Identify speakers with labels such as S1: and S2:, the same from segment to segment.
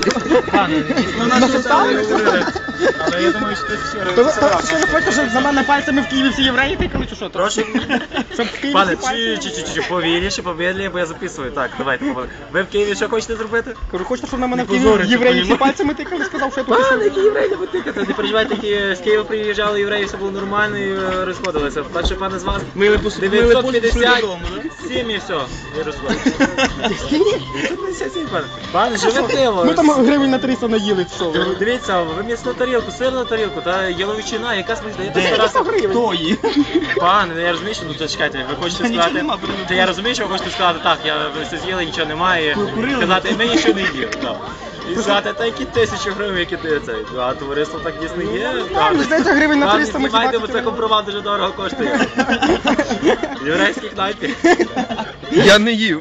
S1: Але я думаю, що ти ще раз.
S2: Що ви хочете, щоб за мене пальцами в Києві всі євреї тикали, чи що?
S1: Прошу.
S2: Щоб в Києві
S1: Пане,
S2: всі пальцами...
S1: повільніше, помедленніше, бо я записую. Так, давайте. Ви в Києві що хочете зробити?
S2: Кажу, хочете, щоб на мене в Києві євреї всі пальцами тикали, сказав, що я тут...
S1: Пане, які євреї не тикати? Не переживайте, з Києва приїжджали євреї, все було нормально і розходилися. Так що, пане, з вас 957 і все, і розходилися. 957, пане. Пане, живе пиво.
S2: Ми там гривень на 300 наїли, що ви?
S1: Дивіться, ви м'ясну тарілку, сирну тарілку, та яловичина, яка смачна.
S2: Хто її?
S1: Пане, я розумію, що тут чекайте, ви хочете сказати. Та я розумію, що ви хочете сказати, так, ви все з'їли, нічого немає. Сказати, ми нічого не їли. І сказати, та які 1000 гривень, які ти цей. А товариство так дійсно є.
S2: Здається, гривень на 300 ми
S1: знімайте, бо це компромат дуже дорого коштує. В єврейській кнайпі.
S3: Я не їв.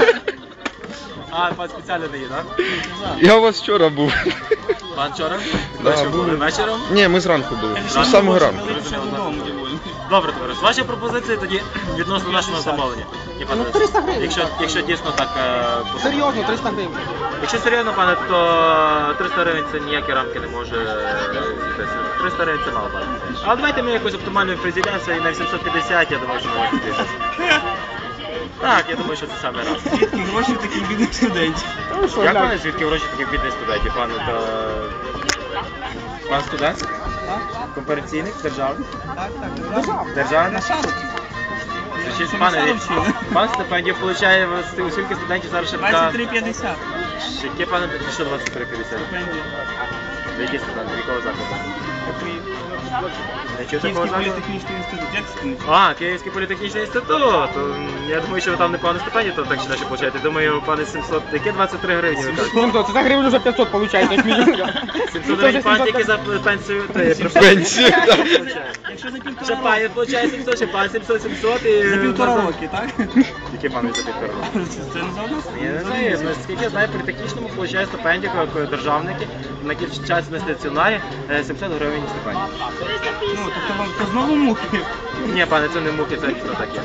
S1: А, пан спеціально не їв, так?
S3: Я у вас вчора був.
S1: Пан вчора?
S3: Да, були.
S1: Вечором?
S3: Ні, ми зранку були. З самого ранку.
S1: Добре, товариш, ваші пропозиції тоді відносно нашого замовлення.
S2: Ну, 300 гривень.
S1: Якщо дійсно так...
S2: Серйозно, 300 гривень.
S1: Якщо серйозно, пане, то 300 гривень це ніякі рамки не може зійтися. 300 гривень це мало, пане. Але давайте ми якось оптимально призійдемося і на 750, я думаю, що можна зійтися. Так, я думаю, що це саме раз.
S4: Звідки гроші в таких бідних студентів?
S1: Як пане, звідки гроші таких бідних студентів, пане, то... Пан студент? Комерційний, державний?
S4: Так.
S1: Державний?
S4: Що
S1: Пан стипендію получає, скільки студентів зараз ще така...
S4: 23,50.
S1: Яке, пане, що 23,50?
S4: Стипендія.
S1: Які студенти, якого закладу? Не чув
S4: Київський
S1: такого закладу?
S4: політехнічний інститут. Як це не чув?
S1: А, Київський політехнічний інститут. Я думаю, що ви там не пане стипендію, то так чи далі получаєте. Думаю, пане 700, яке 23 гривні ви кажете?
S2: Це за гривень вже 500 виходить, як мінімум.
S1: 700 гривень пан тільки за пенсію.
S3: Пенсію, так.
S4: Якщо за
S1: Ще
S4: півтора
S1: пан
S4: року.
S1: получає 700, ще пан 700 і...
S4: За півтора роки, так?
S1: Яке пане за півтора роки?
S4: Це не за одну?
S1: Я не знаю, наскільки я знаю, при технічному получає стипендію, як державники, на який час на стаціонарі 700 гривень стипендії.
S4: Ну, тобто вам то знову мухи.
S1: Ні, пане, це не муки, це дійсно таке.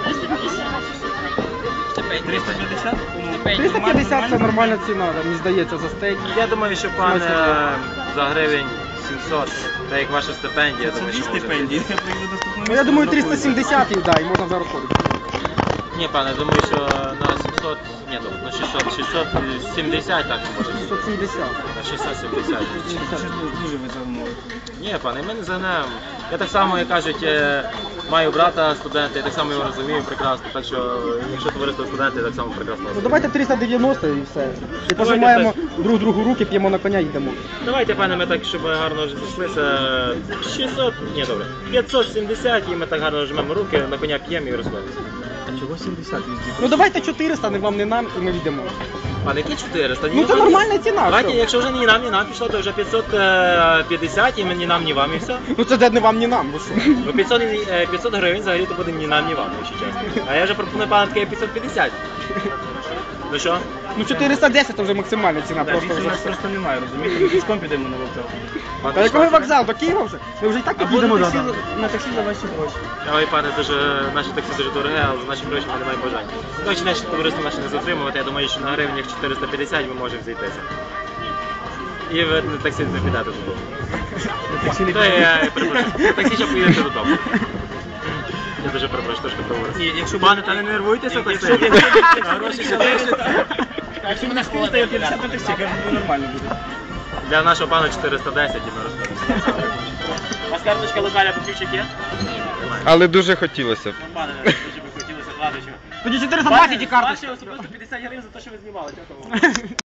S4: 350?
S2: 350 це нормальна ціна, мені здається, за стейк.
S1: Я думаю, що пане за гривень 700, так як ваша стипендія, я
S4: Це
S1: думаю,
S4: дві
S1: що може.
S4: стипендії. Я прийду наступного
S2: Ну я думаю
S4: місяця,
S2: 370 їх, да, і можна вже розходити.
S1: Ні, пане, думаю, що на 700, ні, на 670 так може.
S2: 670.
S1: На 670.
S4: Це ж дуже ви замовили.
S1: Ні, пане, ми не загнемо. Я так само, як кажуть, маю брата студента, я так само його розумію прекрасно, так що, якщо товариство студенти, я так само прекрасно
S2: Ну
S1: розумію.
S2: давайте 390 і все. І пожимаємо друг другу руки, п'ємо на коня і йдемо.
S1: Давайте, пане, ми так, щоб гарно вже зійшлися, 600, ні, добре, 570 і ми так гарно жмемо руки, на коня п'ємо і розходимося.
S4: А чого 70 везде?
S2: Ну давайте 400, не вам, не нам, і ми йдемо.
S1: Пане, які 400?
S2: Ну це нормальна ціна.
S1: Давайте,
S2: що?
S1: якщо вже ні нам пішло, то вже 550 і ні нам, ні вам і все.
S2: Ну це не вам, не нам, ви що?
S1: Ну 500 гривень взагалі то буде ні нам, ні вам, якщо чесно. А я вже пропоную, пане, таке 550. Ну що?
S2: Ну 410 це вже максимальна ціна,
S4: Так,
S2: просто
S4: більше у
S2: вже
S4: нас
S2: все.
S4: просто немає, розумієте? Ми пішком підемо на вокзал.
S2: Та якого вокзал? До Києва вже? Ми вже і так
S4: Або
S2: підемо
S4: на таксі за ваші гроші.
S1: Ой, пане, наші таксі дуже дороге, але за наші гроші ми не маємо бажання. Точно, наші товариство наше не затримувати, я думаю, що на гривнях 450 ми можемо зійтися. І ви на таксі не підете додому. Та я перепрошую, на таксі ще поїдете додому. Я дуже перепрошую, трошки проговорюся. Пане, та не нервуйтеся так сильно. Гроші ще лишаться.
S4: Якщо мене скинете, я 50 на таксі, я кажу, нормально буде.
S1: Для нашого пана 410 і ми розходимося. У вас карточка локаля поківчик є?
S3: Але дуже хотілося б.
S1: Пане, дуже би хотілося вкладачу.
S2: Тоді 420 і карточка.
S1: Ваші особисто 50 гривень за те, що ви знімали. Дякую вам.